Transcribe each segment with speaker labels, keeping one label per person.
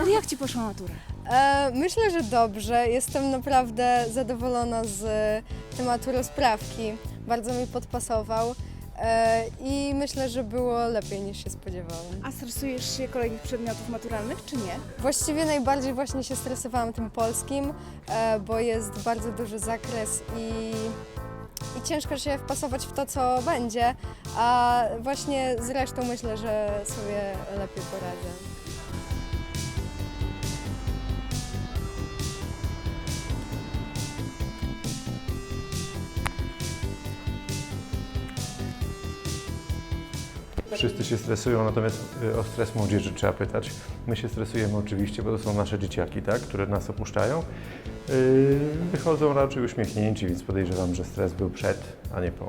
Speaker 1: Ale jak Ci poszła matura?
Speaker 2: Myślę, że dobrze. Jestem naprawdę zadowolona z tematu rozprawki. Bardzo mi podpasował i myślę, że było lepiej niż się spodziewałam.
Speaker 1: A stresujesz się kolejnych przedmiotów maturalnych, czy nie?
Speaker 2: Właściwie najbardziej właśnie się stresowałam tym polskim, bo jest bardzo duży zakres i ciężko się wpasować w to, co będzie, a właśnie z resztą myślę, że sobie lepiej poradzę.
Speaker 3: Wszyscy się stresują, natomiast o stres młodzieży trzeba pytać. My się stresujemy oczywiście, bo to są nasze dzieciaki, tak, które nas opuszczają. Wychodzą raczej uśmiechnięci, więc podejrzewam, że stres był przed, a nie po.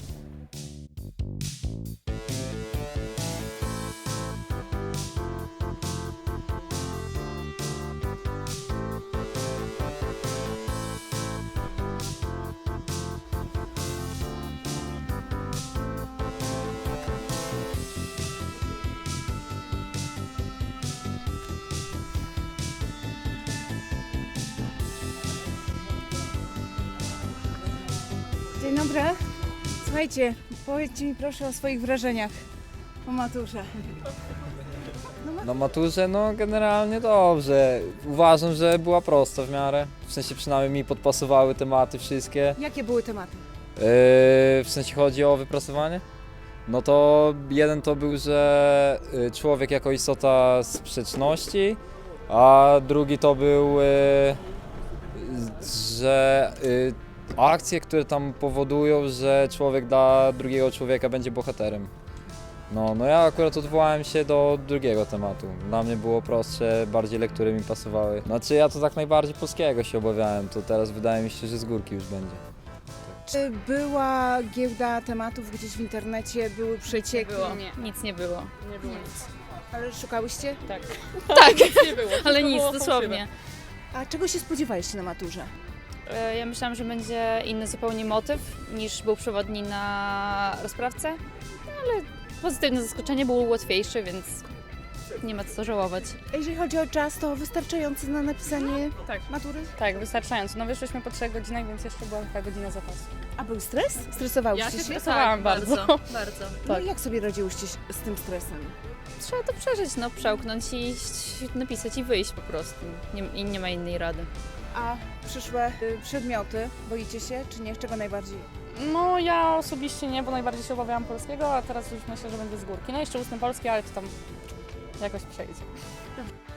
Speaker 1: Dzień dobry. Słuchajcie, powiedzcie mi proszę o swoich wrażeniach po maturze.
Speaker 4: Na maturze, no generalnie dobrze. Uważam, że była prosta w miarę. W sensie przynajmniej mi podpasowały tematy wszystkie.
Speaker 1: Jakie były tematy?
Speaker 4: W sensie chodzi o wypracowanie. No to jeden to był, że człowiek jako istota sprzeczności, a drugi to był, że akcje, które tam powodują, że człowiek dla drugiego człowieka będzie bohaterem. No ja akurat odwołałem się do drugiego tematu. Dla mnie było prostsze, bardziej lektury mi pasowały. Znaczy ja to tak najbardziej polskiego się obawiałem, to teraz wydaje mi się, że z górki już będzie.
Speaker 1: Czy była giełda tematów gdzieś w internecie, były przecieki?
Speaker 5: Nie, nic nie było.
Speaker 6: Nie było
Speaker 5: Nic.
Speaker 1: Ale szukałyście?
Speaker 5: Tak.
Speaker 6: nie było.
Speaker 5: Ale
Speaker 6: To
Speaker 5: nic,
Speaker 6: było
Speaker 5: dosłownie.
Speaker 1: A czego się spodziewaliście na maturze?
Speaker 5: Ja myślałam, że będzie inny zupełnie motyw niż był przewodni na rozprawce, no, ale pozytywne zaskoczenie było łatwiejsze, więc nie ma co żałować.
Speaker 1: A jeżeli chodzi o czas, to wystarczający na napisanie
Speaker 6: Tak.
Speaker 1: matury?
Speaker 6: Tak, wystarczająco. No wyszłyśmy po 3 godzinach, więc jeszcze była taka godzina zapasu.
Speaker 1: A był stres? Stresowałyście
Speaker 6: Ja się
Speaker 1: się?
Speaker 6: stresowałam bardzo.
Speaker 5: bardzo.
Speaker 1: No
Speaker 6: tak.
Speaker 1: i jak sobie radziłyście z tym stresem?
Speaker 5: Trzeba to przeżyć, no, przełknąć i iść, napisać i wyjść po prostu. Nie ma innej rady.
Speaker 1: A przyszłe przedmioty, boicie się czy nie? Czego najbardziej?
Speaker 6: No ja osobiście nie, bo najbardziej się obawiałam polskiego, a teraz już myślę, że będzie z górki. No jeszcze ustny polski, ale to tam jakoś przejdzie.